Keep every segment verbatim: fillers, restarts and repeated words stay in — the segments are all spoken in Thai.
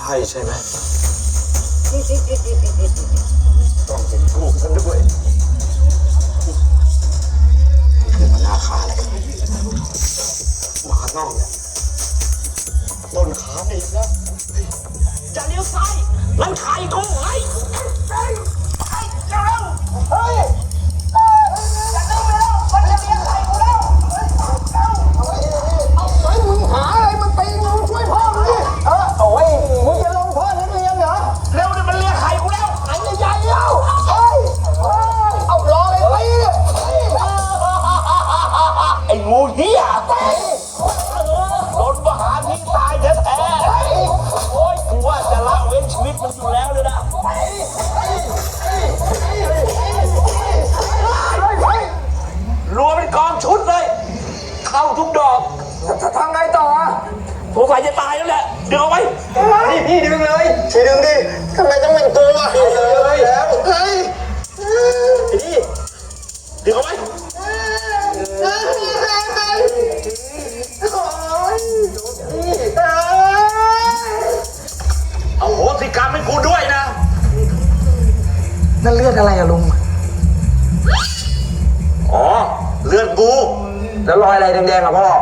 ช่ใช่ไหมต้องเป็นลูกฉันด้วยขึ้นมาหน้าขาเลยหมาน่องเนี่ยต้นขาอีกแล้วจะเลี้ยวซ้ายลังขายกูไอ้เฮ้ยเฮ้ยเร็วเฮ้ยจะเลี้ยวไปแล้วมันจะเลี้ยงไข่กูแล้วเอาไว้มึงหาอะไรมาตีมึงช่วยพ่อมึงดิเออโอ้ยมึงจะลงพ่อนักเรียนเหรอเร็วเนี่ยมันเลี้ยงไข่กูแล้วไข่ใหญ่ๆแล้วเฮ้ยเอารอเลยตีไอ้งูเหี้ยโดนประหารที่ตายแท้ๆโอ้ยกูว่าจะละเว้นชีวิตมันอยู่แล้วเลยนะรวมเป็นกองชุดเลยเข้าทุกดอกจะทำไงต่อสงสัยจะตายแล้วแหละดึงเอาไว้นี่พี่ดึงเลยพี่ดึงดิทำไมต้องเป็นตัวพี่เลยแล้วเฮ้ยพี่ดึงเอาไว้เอาโหสิกรรมให้กูด้วยนะนั่นเลือดอะไรอะลุงอ๋อเลือดกูแล้วรอยอะไรแดงๆอะพ่อ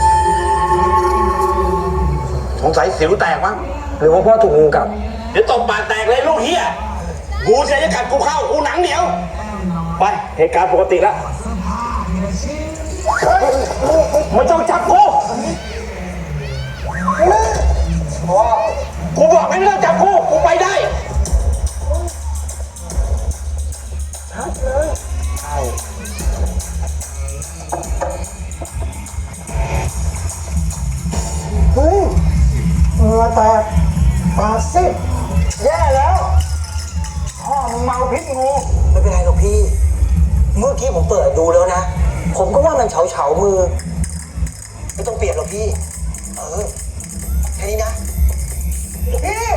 สงสัยสิวแตกมั้งหรือว่าพ่อถูกงูกัดเดี๋ยวตบปากแตกเลยลูกเฮียงูเสียจะกัดกูเข้ากูหนังเหนียวไปเหตุการณ์ปกติแล้วมันต้องจับกูกูบอกไม่ต้องจับกูกูไปได้ชัดเลยใช่เฮ้ยเหงื่อแตกปากซิดแย่แล้วพ่อมึงเมาพิษงูไม่เป็นไรหรอกพี่เมื่อกี้ผมเปิดดูแล้วนะผมก็ว่ามันเฉาเฉามือไม่ต้องเปลี่ยนหรอกพี่เออแค่นี้นะพี่